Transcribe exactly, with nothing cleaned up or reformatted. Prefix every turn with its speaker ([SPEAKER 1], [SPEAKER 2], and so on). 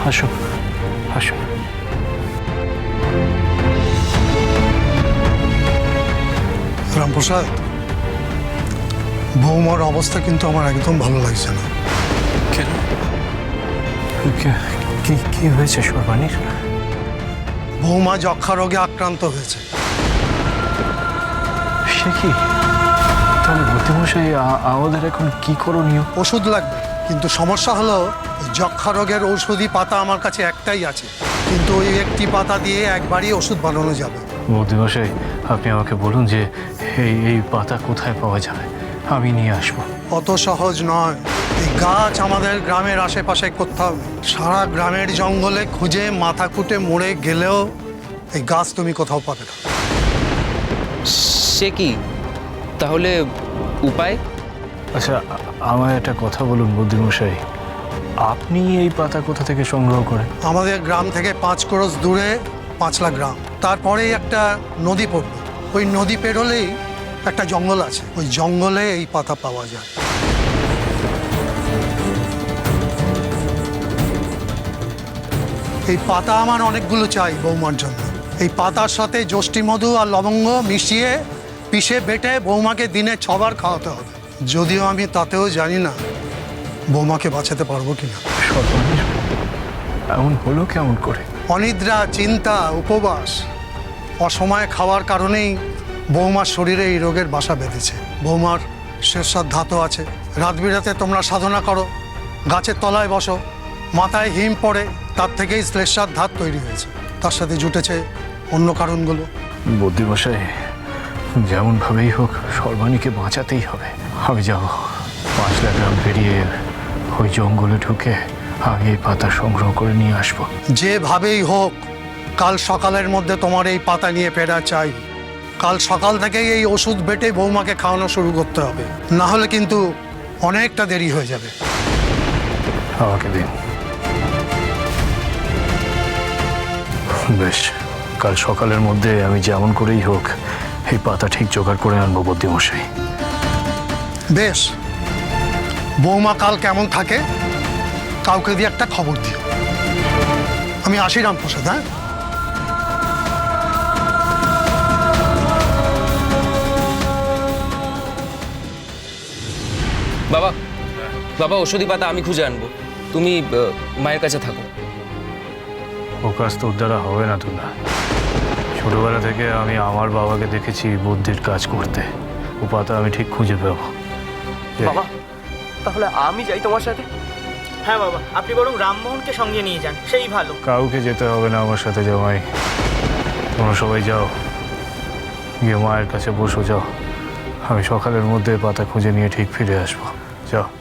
[SPEAKER 1] আসুন আসুন।
[SPEAKER 2] রামপ্রসাদ, বৌমার অবস্থা কিন্তু আমার একদম ভালো লাগছে না।
[SPEAKER 1] কেন? কি কি হয়েছে সর্বাণীর?
[SPEAKER 2] বৌমা যক্ষা রোগে আক্রান্ত হয়েছে।
[SPEAKER 1] সে কি? তাহলে বুদ্ধিমশাই আমাদের এখন কি করণীয়?
[SPEAKER 2] ওষুধ লাগবে, কিন্তু সমস্যা হলো যক্ষা রোগের ঔষধি পাতা আমার কাছে একটাই আছে, কিন্তু ওই একটি পাতা দিয়ে একবারই ওষুধ বানানো যাবে।
[SPEAKER 1] বুদ্ধিমশাই, আপনি আমাকে বলুন যে এই এই পাতা কোথায় পাওয়া যাবে, আমি নিয়ে আসবো।
[SPEAKER 2] অত সহজ নয়। এই গাছ আমাদের গ্রামের আশেপাশে কোথাও নেই। সারা গ্রামের জঙ্গলে খুঁজে মাথা কুটে মরে গেলেও এই গাছ তুমি কোথাও পাবে না।
[SPEAKER 3] সে কি? তাহলে উপায়?
[SPEAKER 1] আচ্ছা, আমার একটা কথা বলুন বুদ্ধিমশাই, আপনি এই পাতা কোথা থেকে সংগ্রহ করেন?
[SPEAKER 2] আমাদের গ্রাম থেকে পাঁচ ক্রোশ দূরে পাঁচলা গ্রাম, তারপরেই একটা নদী পড়বে। ওই নদী পেরোলেই একটা জঙ্গল আছে, ওই জঙ্গলে এই পাতা পাওয়া যায়। এই পাতা আমার অনেকগুলো চাই বৌমার জন্য। এই পাতার সাথে যষ্টি মধু আর লবঙ্গ মিশিয়ে পিষে বেটে বৌমাকে দিনে ছবার খাওয়াতে হবে। যদিও আমি তাতেও জানি না বৌমাকে বাঁচাতে পারবো কিনা।
[SPEAKER 1] সর্বাণীর এমন হলো কেমন করে?
[SPEAKER 2] অনিদ্রা, চিন্তা, উপবাস, অসময়ে খাওয়ার কারণেই বৌমার শরীরে এই রোগের বাসা বেঁধেছে। বৌমার শেষসাদ ধাতু আছে। রাত বিরাতে তোমরা সাধনা করো, গাছের তলায় বসো, মাথায় হিম পড়ে, তার থেকেই শ্লেষাদ ধাত তৈরি হয়েছে। তার সাথে জুটেছে অন্য কারণগুলো।
[SPEAKER 1] বুদ্ধিমশাই, যেমনভাবেই হোক সর্বাণীকে বাঁচাতেই হবে। আমি যাব পাঁচলা গ্রাম পেরিয়ে ওই জঙ্গলে ঢুকে আমি এই পাতা সংগ্রহ করে নিয়ে আসবো।
[SPEAKER 2] যেভাবেই হোক কাল সকালের মধ্যে তোমার এই পাতা নিয়ে ফেরা চাই। কাল সকাল থেকেই এই ওষুধ বেটে বৌমাকে খাওয়ানো শুরু করতে হবে, না হলে কিন্তু অনেকটা দেরি হয়ে যাবে।
[SPEAKER 1] আমাকে দিন। বেশ, কাল সকালের মধ্যে আমি যেমন করেই হোক এই পাতা ঠিক জোগাড় করে আনবো বুদ্ধিমশাই।
[SPEAKER 2] বেশ, বৌমা কাল কেমন থাকে কাউকে দিয়ে একটা খবর দিও। আমি আসি রামপ্রসাদ। হ্যাঁ,
[SPEAKER 3] বাবা, বাবা ওষুধি পাতা আমি খুঁজে আনবো, তুমি আহ, মায়ের কাছে থাকো।
[SPEAKER 1] ও কাজ তোর দ্বারা হবে না তুলা। ছোটবেলা থেকে আমি আমার বাবাকে দেখেছি বুদ্ধির কাজ করতে। ও পাতা আমি ঠিক খুঁজে পাবো।
[SPEAKER 4] বাবা, তাহলে আমি যাই তোমার সাথে?
[SPEAKER 5] হ্যাঁ বাবা, আপনি বরং রামমোহনকে সঙ্গে নিয়ে যান, সেই ভালো।
[SPEAKER 1] কাউকে যেতে হবে না আমার সাথে জামাই। তোমরা সবাই যাও, গিয়ে মায়ের কাছে বসো। যাও, আমি সকালের মধ্যে পাতা খুঁজে নিয়ে ঠিক ফিরে আসবো। যাও।